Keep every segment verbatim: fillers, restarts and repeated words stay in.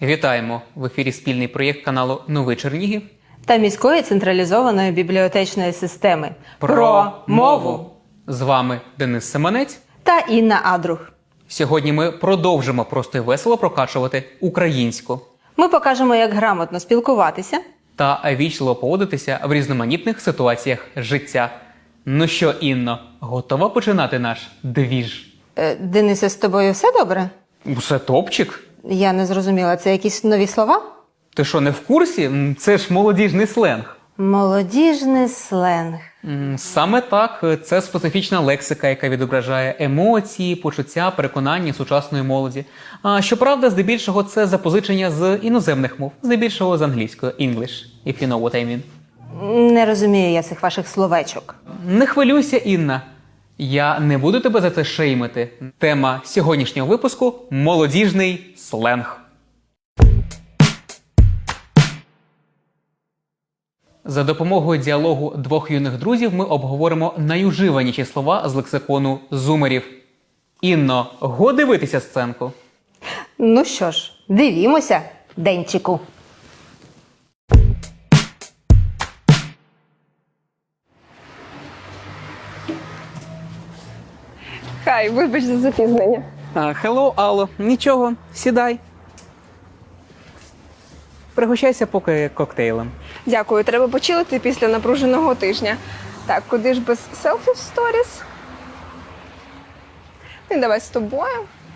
Вітаємо! В ефірі спільний проєкт каналу «Новий Чернігів» та міської централізованої бібліотечної системи про мову. З вами Денис Семенець та Інна Адрух. Сьогодні ми продовжимо просто і весело прокачувати українську. Ми покажемо, як грамотно спілкуватися та вічливо поводитися в різноманітних ситуаціях життя. Ну що, Інно, готова починати наш двіж? Е, Денисе, з тобою все добре? Усе топчик. Я не зрозуміла, це якісь нові слова? Ти що, не в курсі? М, Це ж молодіжний сленг. Молодіжний сленг. М, Саме так, це специфічна лексика, яка відображає емоції, почуття, переконання сучасної молоді. А щоправда, здебільшого це запозичення з іноземних мов, здебільшого з англійської, English, if you know what I mean. Не розумію я цих ваших словечок. Не хвилюйся, Інна. Я не буду тебе за це шеймити. Тема сьогоднішнього випуску – молодіжний сленг. За допомогою діалогу двох юних друзів ми обговоримо найуживаніші слова з лексикону зумерів. Інно, го дивитися сценку? Ну що ж, дивімося, Денчику. Хай, вибач за запізнення. Хеллоу, Алло. Нічого, сідай. Пригощайся поки коктейлем. Дякую, треба почилити після напруженого тижня. Так, куди ж без селфі в сторіс? Ну, давай з тобою.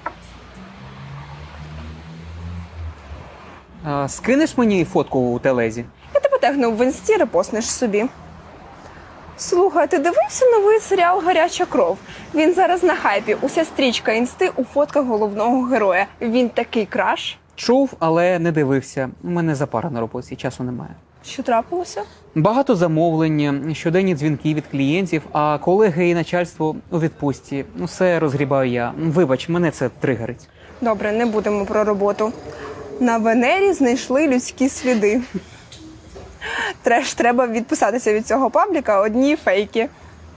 А, скинеш мені фотку у телезі? Я тебе тегнув в інсті, репостнеш собі. Слухай, ти дивився новий серіал «Гаряча кров»? Він зараз на хайпі. Уся стрічка інсти у фотках головного героя. Він такий краш. Чув, але не дивився. У мене запара на роботі, часу немає. Що трапилося? Багато замовлень, щоденні дзвінки від клієнтів, а колеги і начальство у відпустці. Усе розгрібаю я. Вибач, мене це тригерить. Добре, не будемо про роботу. На Венері знайшли людські сліди. Треш, треба відписатися від цього пабліка, одні фейки.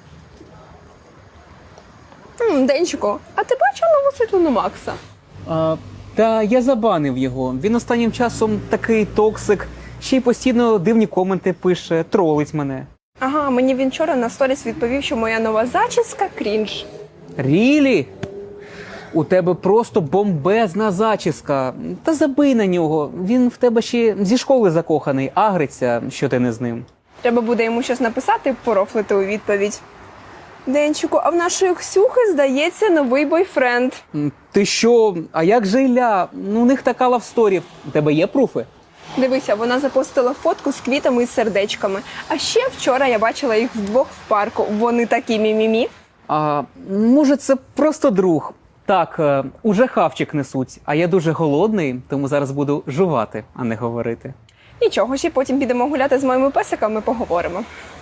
М, Денчику, а ти бачив нову світлину Макса? А, та я забанив його. Він останнім часом такий токсик, ще й постійно дивні коменти пише, тролить мене. Ага, мені він вчора на сторіс відповів, що моя нова зачіска – крінж. Рілі? У тебе просто бомбезна зачіска. Та забий на нього. Він в тебе ще зі школи закоханий, агриться, що ти не з ним. Треба буде йому щось написати, порофлити у відповідь. Денчику, а в нашої Ксюхи, здається, новий бойфренд. М, Ти що? А як же Ілля? Ну, у них така лавсторі. У тебе є пруфи? Дивися, вона запостила фотку з квітами і сердечками. А ще вчора я бачила їх вдвох в парку. Вони такі мімімі. А може це просто друг? Так, е, уже хавчик несуть, а я дуже голодний, тому зараз буду жувати, а не говорити. Нічого, ще потім підемо гуляти з моїми песиками, поговоримо.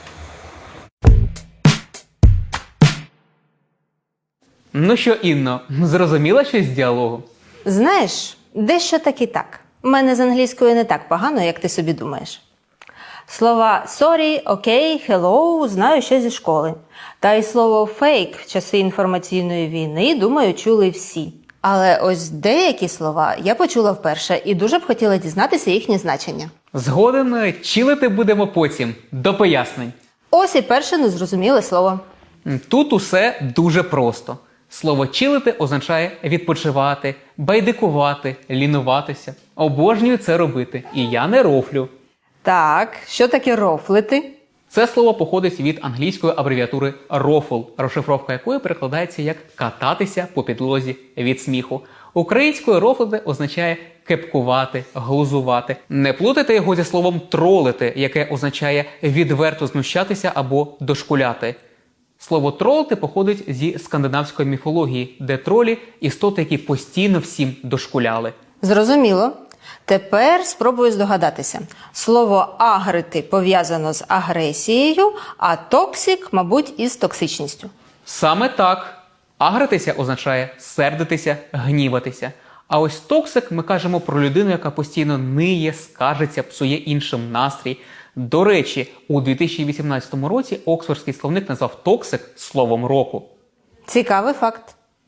Ну що, Інно, зрозуміла щось з діалогу? Знаєш, дещо так і так. У мене з англійською не так погано, як ти собі думаєш. Слова «sorry», «окей», «hello» знаю ще зі школи. Та й слово «fake» в часи інформаційної війни, думаю, чули всі. Але ось деякі слова я почула вперше і дуже б хотіла дізнатися їхнє значення. Згоден, чилити будемо потім, до пояснень. Ось і перше незрозуміле слово. Тут усе дуже просто. Слово «чилити» означає відпочивати, байдикувати, лінуватися. Обожнюю це робити, і я не рофлю. Так, що таке рофлити? Це слово походить від англійської абревіатури «рофл», розшифровка якої перекладається як «кататися по підлозі від сміху». Українською «рофлити» означає кепкувати, глузувати. Не плутайте його зі словом «тролити», яке означає відверто знущатися або дошкуляти. Слово «тролити» походить зі скандинавської міфології, де тролі – істоти, які постійно всім дошкуляли. Зрозуміло. Тепер спробую здогадатися. Слово «агрити» пов'язано з агресією, а «токсик», мабуть, із токсичністю. Саме так. Агритися означає сердитися, гніватися. А ось токсик ми кажемо про людину, яка постійно ниє, скаржиться, псує іншим настрій. До речі, у дві тисячі вісімнадцятому році Оксфордський словник назвав токсик словом року. Цікавий факт.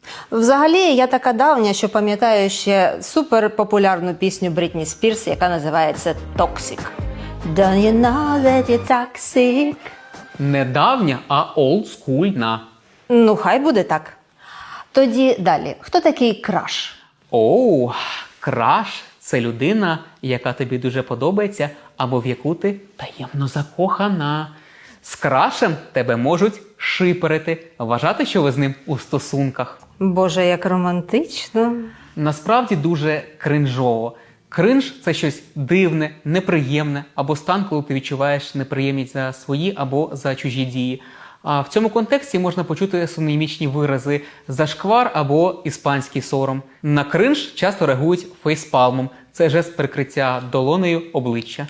Взагалі, я така давня, що пам'ятаю ще суперпопулярну пісню Брітні Спірс, яка називається «Toxic». Don't you know that you're toxic? Не давня, а олдскульна. Ну, хай буде так. Тоді далі. Хто такий краш? Оу, краш – це людина, яка тобі дуже подобається або в яку ти таємно закохана. З крашем тебе можуть шиперити, вважати, що ви з ним у стосунках. Боже, як романтично. Насправді дуже кринжово. Кринж – це щось дивне, неприємне або стан, коли ти відчуваєш неприємність за свої або за чужі дії. А в цьому контексті можна почути синонімічні вирази «зашквар» або «іспанський сором». На кринж часто реагують фейспалмом. Це жест прикриття долонею обличчя.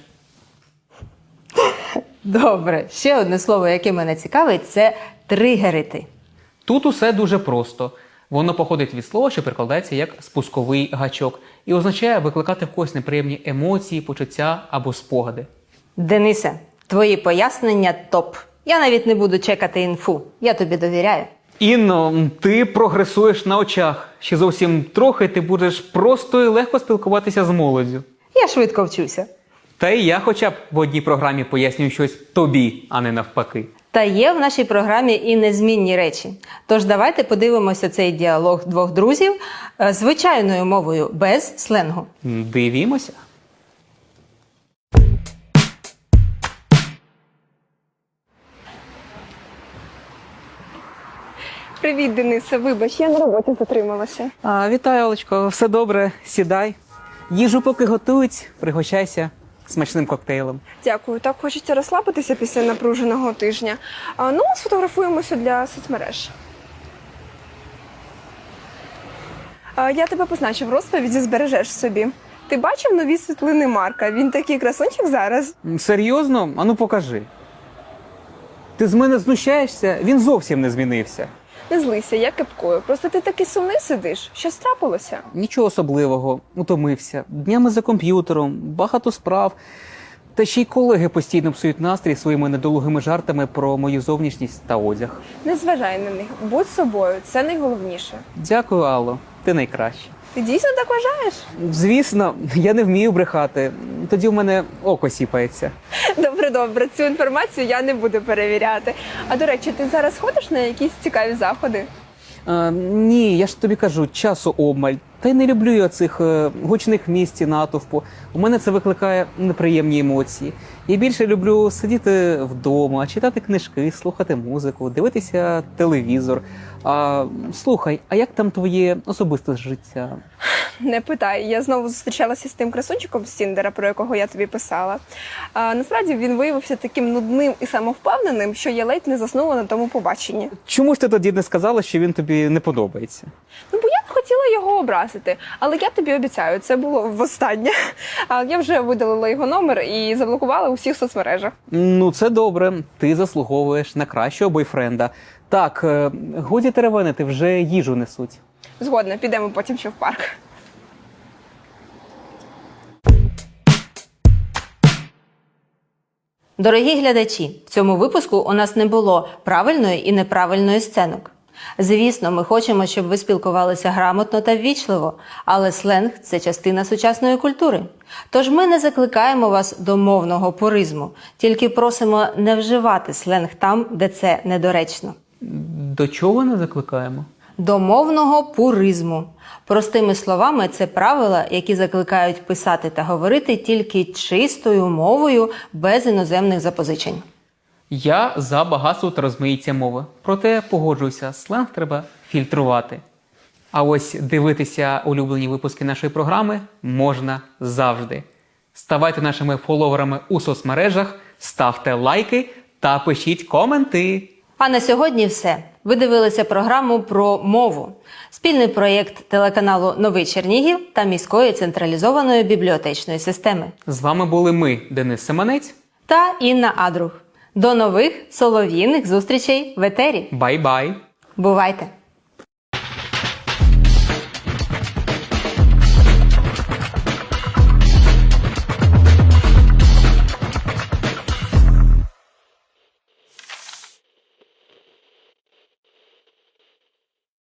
Добре, ще одне слово, яке мене цікавить, це тригерити. Тут усе дуже просто. Воно походить від слова, що перекладається як спусковий гачок, і означає викликати в когось неприємні емоції, почуття або спогади. Денисе, твої пояснення топ. Я навіть не буду чекати інфу. Я тобі довіряю. Інно, ти прогресуєш на очах. Ще зовсім трохи ти будеш просто і легко спілкуватися з молоддю. Я швидко вчуся. Та й я хоча б в одній програмі пояснюю щось тобі, а не навпаки. Та є в нашій програмі і незмінні речі. Тож давайте подивимося цей діалог двох друзів е, звичайною мовою, без сленгу. Дивімося. Привіт, Денисе, вибач, я на роботі затрималася. А, вітаю, Олечко, все добре, сідай. Їжу поки готують, пригощайся смачним коктейлем. Дякую, так хочеться розслабитися після напруженого тижня. А, ну, сфотографуємося для соцмереж. А, я тебе позначу в розповіді, збережеш собі. Ти бачив нові світлини Марка? Він такий красунчик зараз. Серйозно? Ану покажи. Ти з мене знущаєшся? Він зовсім не змінився. Не злися, я кепкою. Просто ти такий сумний сидиш. Що трапилося? Нічого особливого, утомився. Днями за комп'ютером, багато справ. Та ще й колеги постійно псують настрій своїми недолугими жартами про мою зовнішність та одяг. Не зважай на них. Будь собою, це найголовніше. Дякую, Алло. Ти найкраща. Ти дійсно так вважаєш? Звісно, я не вмію брехати. Тоді в мене око сіпається. Добре, добре. Цю інформацію я не буду перевіряти. А до речі, ти зараз ходиш на якісь цікаві заходи? А, ні, я ж тобі кажу, часу обмаль. Та й не люблю я цих е, гучних місць і натовпу. У мене це викликає неприємні емоції. Я більше люблю сидіти вдома, читати книжки, слухати музику, дивитися телевізор. А, слухай, а як там твоє особисте життя? Не питай. Я знову зустрічалася з тим красунчиком з Тіндера, про якого я тобі писала. А, насправді він виявився таким нудним і самовпевненим, що я ледь не заснула на тому побаченні. Чому ж ти тоді не сказала, що він тобі не подобається? Ну, бо я б хотіла його образити, але я тобі обіцяю, це було востаннє. А я вже видалила його номер і заблокувала у всіх соцмережах. Ну, це добре. Ти заслуговуєш на кращого бойфренда. Так, е, годі теревенити, вже їжу несуть. Згодна, підемо потім ще в парк. Дорогі глядачі, в цьому випуску у нас не було правильної і неправильної сценок. Звісно, ми хочемо, щоб ви спілкувалися грамотно та ввічливо, але сленг – це частина сучасної культури. Тож ми не закликаємо вас до мовного пуризму, тільки просимо не вживати сленг там, де це недоречно. До чого не закликаємо? До мовного пуризму. Простими словами, це правила, які закликають писати та говорити тільки чистою мовою, без іноземних запозичень. Я за багатство та розмаїття мови. Проте погоджуюся, сленг треба фільтрувати. А ось дивитися улюблені випуски нашої програми можна завжди. Ставайте нашими фоловерами у соцмережах, ставте лайки та пишіть коменти. А на сьогодні все. Ви дивилися програму про мову. Спільний проєкт телеканалу «Новий Чернігів» та міської централізованої бібліотечної системи. З вами були ми, Денис Семенець. Та Інна Адрух. До нових солов'їних зустрічей в етері. Бай-бай! Бувайте!